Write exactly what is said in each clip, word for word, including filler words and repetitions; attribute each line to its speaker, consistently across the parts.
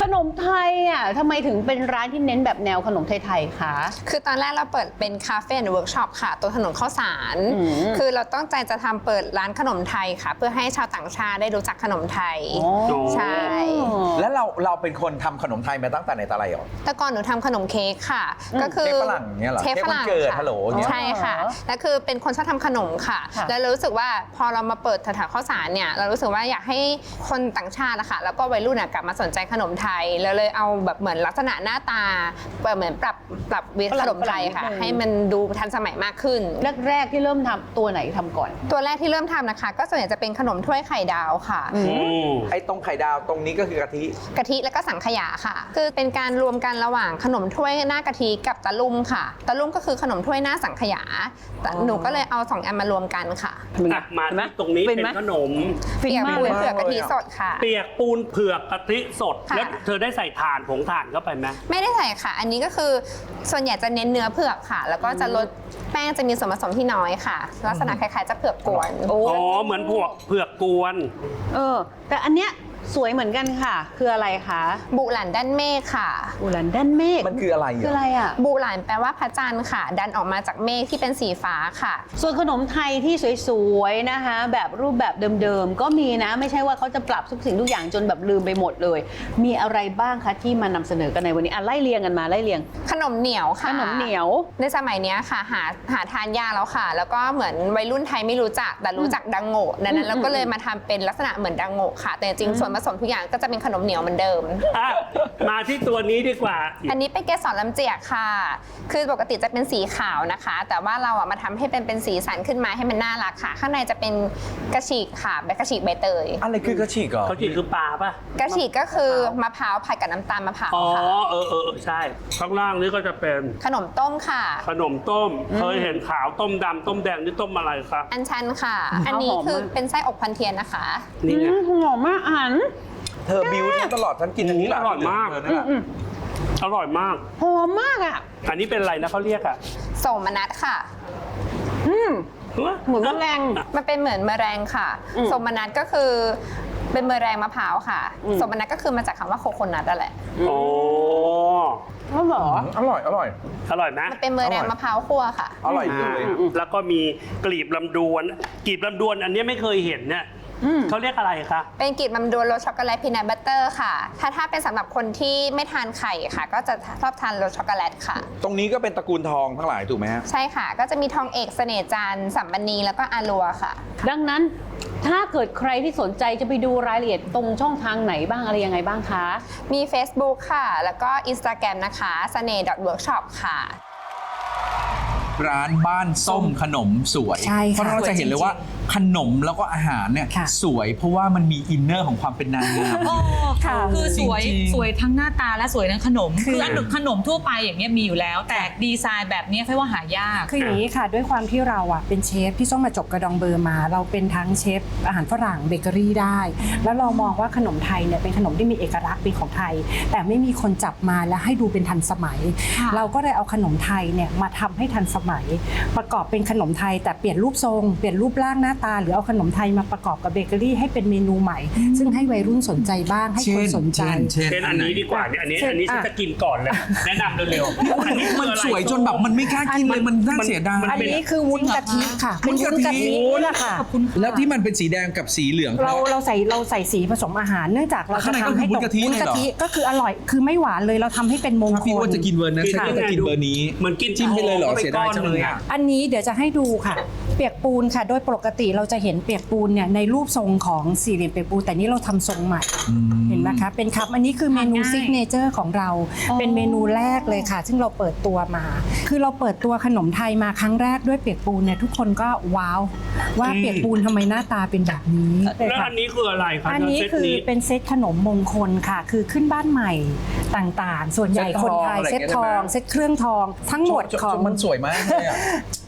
Speaker 1: นมไทยอ่ะทำไมถึงเป็นร้านที่เน้นแบบแนวขนมไทยๆคะ
Speaker 2: คือตอนแรกเราเปิดเป็นคาเฟ่และเวิร์กช็อปค่ะตัวถนนข้าวสารคือเราต้องใจจะทำเปิดร้านขนมไทยค่ะเพื่อให้ชาวต่างชาติได้รู้จักขนมไทยใช่
Speaker 3: แล้วเราเราเป็นคนทำขนมไทยมาตั้งแต่ไหนแต่ไรหรอ
Speaker 2: แต่ก่อนหนูทำขนมเค้กค่ะก็คือ
Speaker 3: เค้กฝรั่งเนี่ยเหรอ
Speaker 2: เค้กฝรั่งค่ะใช่ค่ะแล้วคือเป็นคนชอบทำขนมค่ะแล้วรู้สึกว่าพอเรามาเปิดแถวๆข้าวสารเนี่ยเรารู้สึกว่าอยากให้คนต่างชาตินะคะแล้วก็วัยรุ่นกลับมาสนใจขนมไทยแล้วเลยเอาแบบเหมือนลักษณะหน้าตาเหมือนปรับปรับวิขนมไทยค่ะให้มันดูทันสมัยมากขึ้น
Speaker 1: แรกๆที่เริ่มทำตัวไหนทำก่อน
Speaker 2: ตัวแรกที่เริ่มทำนะคะก็ส่วนใหญ่จะเป็นขนมถ้วยไข่ดาวค่ะ
Speaker 3: ไอ้ตรงไข่ดาวตรงนี้ก็คือกะทิ
Speaker 2: กะทิแล้วก็สังขยาค่ะคือเป็นการรวมกันระหว่างขนมถ้วยหน้ากะทิกับตะลุ่มค่ะตะลุ่มก็คือขนมถ้วยหน้าสังขยาหนูก็เลยเอาสองอันมารวมกันค่ะ
Speaker 4: มาที่ตรงนี้เป็นขนม
Speaker 2: เปียกปูนเผือกกะทิสดค่ะ
Speaker 4: เปียกปูนเผือกกะทิสดแล้วเธอได้ใส่ถ่านผงถ่านเข้าไปไหม
Speaker 2: ไม่ได้ใส่ค่ะอันนี้ก็คือส่วนใหญ่จะเน้นเนื้อเผือกค่ะแล้วก็จะลดแป้งจะมีส่วนผสมที่น้อยค่ะลักษณะคล้ายๆจะเผือกกวน
Speaker 4: อ๋อเหมือนพวกเผือกกวน
Speaker 1: เออแต่อันเนี้ยสวยเหมือนกันค่ะคืออะไรคะ
Speaker 2: บุหลันด้านเมฆค่ะ
Speaker 1: บุหลันด้านเมฆ
Speaker 3: มันคืออะไร
Speaker 1: คืออะไรอ่ะ
Speaker 2: บุหลันแปลว่าพระจันทร์ค่ะดันออกมาจากเมฆที่เป็นสีฟ้าค่ะ
Speaker 1: ส่วนขนมไทยที่สวยๆนะคะแบบรูปแบบเดิมๆก็มีนะไม่ใช่ว่าเขาจะปรับทุกสิ่งทุกอย่างจนแบบลืมไปหมดเลยมีอะไรบ้างคะที่มานำเสนอกันในวันนี้อ่ะไล่เรียงกันมาไล่เรียง
Speaker 2: ขนมเหนียวค่ะ
Speaker 1: ขนมเหนียว
Speaker 2: ในสมัยนี้ค่ะหาหาทานยากแล้วค่ะแล้วก็เหมือนวัยรุ่นไทยไม่รู้จักแต่รู้จักดังโง่ดังนั้นเราก็เลยมาทำเป็นลักษณะเหมือนดังโง่ค่ะแต่จริงส่วนผสมทุกอย่างก็จะเป็นขนมเหนียวเหมือนเดิม
Speaker 4: มาที่ตัวนี้ดีกว่า
Speaker 2: อันนี้เป็นเกสรลำเจียกค่ะคือปกติจะเป็นสีขาวนะคะแต่ว่าเราอ่ะมาทำให้เป็นเป็นสีสันขึ้นมาให้มันน่ารักค่ะข้างในจะเป็นกระฉีกค่ะแบบกระฉีกใบเตย
Speaker 3: อะไรคือกระฉีกเหรอก
Speaker 4: ระฉีกคือปลาป่ะ
Speaker 2: กระฉีกก็คือมะพร้าวผัดกับน้ำตาลมะพร้าว
Speaker 4: ค่ะอ๋อเออเออใช่ข้างล่างนี้ก็จะเป็น
Speaker 2: ขนมต้มค่ะ
Speaker 4: ขนมต้มเคยเห็นขาวต้มดำต้มแดงนี่ต้มอะไรคะ
Speaker 2: อัญชันค่ะอันนี้คือเป็นไส้อกพันเทียนนะคะ
Speaker 4: นี่ไง
Speaker 1: หอมมากอ่าน
Speaker 3: เธอบิวตลอดฉันกินอันนี้
Speaker 4: อร่อยมากอร่อยมาก
Speaker 1: หอมมากอ่ะ
Speaker 4: อันนี้เป็นอะไรนะเขาเรียกอ่ะ
Speaker 2: โสมนัสค่ะ
Speaker 1: อืมเหมือนแมลง
Speaker 2: มันเป็นเหมือนแมลงค่ะโสมนัสก็คือเป็นแมลงมะพร้าวค่ะโสมนัสก็คือมาจากคำว่าโคโคนัทนั่นแหละ
Speaker 4: โอ้
Speaker 1: อร่อย
Speaker 3: อร่อยอร่อย
Speaker 4: อร่อยไหม
Speaker 2: มันเป็นแมลงมะพร้าวคั่วค่ะ
Speaker 3: อร่อยเลย
Speaker 4: แล้วก็มีกลีบลำดวนกลีบลำดวนอันนี้ไม่เคยเห็นเนี่ยเขาเรียกอะไรคะ
Speaker 2: เป็นกลีบลำดวนรสช็อกโกแลตพีนัทบัตเตอร์ค่ะถ้าถ้าเป็นสำหรับคนที่ไม่ทานไข่ค่ะก็จะชอบทานรสช็อกโกแลตค่ะ
Speaker 3: ตรงนี้ก็เป็นตระกูลทองทั้งหลายถูกไหมฮะ
Speaker 2: ใช่ค่ะก็จะมีทองเอกเสน่ห์จันทร์สัมบันนีแล้วก็อารัวค่ะ
Speaker 1: ดังนั้นถ้าเกิดใครที่สนใจจะไปดูรายละเอียดตรงช่องทางไหนบ้างอะไรยังไงบ้างคะ
Speaker 2: มี Facebook ค่ะแล้วก็ Instagram นะคะเสน่ห์ .workshop ค่ะ
Speaker 3: ร้านบ้านส้มขนมสวยเพราะเราจะเห็นเลยว่าขนมแล้วก็อาหารเนี่ยสวยเพราะว่ามันมีอินเนอร์ของความเป็นนางงาม
Speaker 5: คือสวยสวยทั้งหน้าตาและสวยทั้งขนมคืออันขนมทั่วไปอย่างเงี้ยมีอยู่แล้วแต่ดีไซน์แบบนี้แค่ว่าหายาก
Speaker 6: คืออย่างนี้ค่ะด้วยความที่เราอ่ะเป็นเชฟที่ต้องมาจบกระดองเบอร์มาเราเป็นทั้งเชฟอาหารฝรั่งเบเกอรี่ได้แล้วเรามองว่าขนมไทยเนี่ยเป็นขนมที่มีเอกลักษณ์เป็นของไทยแต่ไม่มีคนจับมาและให้ดูเป็นทันสมัยเราก็เลยเอาขนมไทยเนี่ยมาทำให้ทันสมัยประกอบเป็นขนมไทยแต่เปลี่ยนรูปทรงเปลี่ยนรูปร่างหน้าตาหรือเอาขนมไทยมาประกอบกับเบเกอรี่ให้เป็นเมนูใหม่ซึ่งให้วัยรุ่นสนใจบ้างให้คนสนใจ
Speaker 4: เช่นอันนี้ดีกว่าเนี่ยอันนี้อันนี้ฉันจะกินก่อนเลยแนะนำเร็ว
Speaker 3: ๆอันนี้มันสวยจนแบบมันไม่กล้ากินเลยมันน่าเสียดาย
Speaker 6: อันนี้คือวุ้นกะทิค่ะ
Speaker 3: วุ้นกะทิ
Speaker 6: ค่ะ
Speaker 3: แล้วที่มันเป็นสีแดงกับสีเหลือง
Speaker 6: เราเราใส่เราใส่สีผสมอาหารเนื่องจากเราจะทำให้
Speaker 3: วุ้นกะทิ
Speaker 6: วุ้นกะทิก็คืออร่อยคือไม่หวานเลยเราทำให้เป็นมงคล
Speaker 3: พี่ว่าจะกินเบอร์นั้นฉันก็จะกินเบอร์นี้
Speaker 4: เหมือนกิน
Speaker 3: จิ้มไปเลยเหรอเสียดายจังเลย
Speaker 6: อันนี้เดี๋ยวจะให้ดูค่ะเปียกปูนค่ะโดยปกติเราจะเห็นเปียกปูนเนี่ยในรูปทรงของสี่เหลี่ยมเปียกปูนแต่นี้เราทำทรงใหม่เห็นไหมคะเป็นครับอันนี้คือเมนูซิกเนเจอร์ของเราเป็นเมนูแรกเลยค่ะซึ่งเราเปิดตัวมาคือเราเปิดตัวขนมไทยมาครั้งแรกด้วยเปียกปูนเนี่ยทุกคนก็ว้าวว่าเปียกปูนทำไมหน้าตาเป็นแบบนี้
Speaker 4: แล้วอันนี้คืออะไรคะ
Speaker 6: อันนี้คือเป็นเซตขนมมงคลค่ะคือขึ้นบ้านใหม่ต่างๆส่วนใหญ่คนไทยเซตทองเซตเครื่องทองทั้งหมดของ
Speaker 3: มันสวยมากเลยอ่ะ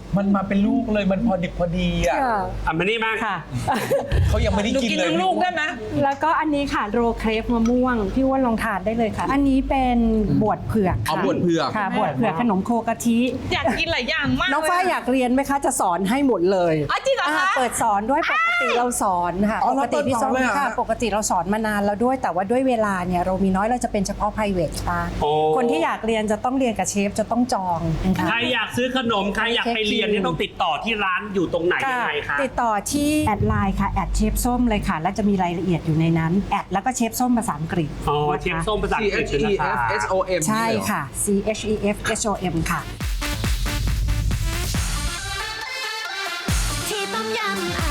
Speaker 3: มันมาเป็นลูกเลยมันพอดิบพอดีอ่ะ
Speaker 4: อ่ะมานี่มาก
Speaker 6: ค่ะ
Speaker 3: เขายังไม่ได้
Speaker 5: หนู
Speaker 3: กิน
Speaker 5: กิน
Speaker 3: เลย
Speaker 5: ทั้งลูกได้ไหม
Speaker 6: แล้วก็อันนี้ค่ะโรลเครปมะม่วงพี่อ้วนลองทานได้เลยค่ะ อันนี้เป็นบวชเผือก
Speaker 3: เอา
Speaker 6: ค่ะ
Speaker 3: บวชเผือก
Speaker 6: ค่ะบวชเผือกขนมโคกะทิ
Speaker 5: อยากกินหลายอย่างมาก
Speaker 6: น้องฝ้ายอยากเรียนไหมคะจะสอนให้หมดเลย
Speaker 5: อ๋อจริงเหรอคะ
Speaker 6: าเปิดสอนด้วยปกติเราสอนค่ะ
Speaker 3: อ๋อ
Speaker 6: ป
Speaker 3: เรา
Speaker 6: กติพี่
Speaker 3: เปิดสอน
Speaker 6: ส้ม
Speaker 3: เลยเหรอ
Speaker 6: ค่ะ
Speaker 3: ฮะ
Speaker 6: ปกติเราสอนมานานแล้วด้วย แต่ว่าด้วยเวลาเนี่ยเรามีน้อยเราจะเป็นเฉพาะ private ค่ะ
Speaker 4: โอ้
Speaker 6: คนที่อยากเรียนจะต้องเรียนกับเชฟจะต้องจองค่ะ
Speaker 4: ใครอยากซื้อขนมใครอยากไปเรียนเนี่ยต้องติดต่อที่ร้านอยู่ตรงไหนยังไงคะ
Speaker 6: ติดต่อที่แอดไลน์ค่ะแอดเชฟส้มเลยค่ะ แล้วจะมีรายละเอียดอยู่ในนั้นแอดแล้วก็เชฟส้มภาษาอังกฤษ
Speaker 4: อ๋อ
Speaker 6: นะคะ
Speaker 4: เชฟส้มภาษา
Speaker 3: C
Speaker 4: อังกฤษ
Speaker 3: H E
Speaker 4: นะ
Speaker 3: F
Speaker 4: คะ
Speaker 3: S O M
Speaker 6: ใช่ค่ะ C H E F S O M ค่ะ
Speaker 7: ที่ต้มยำอ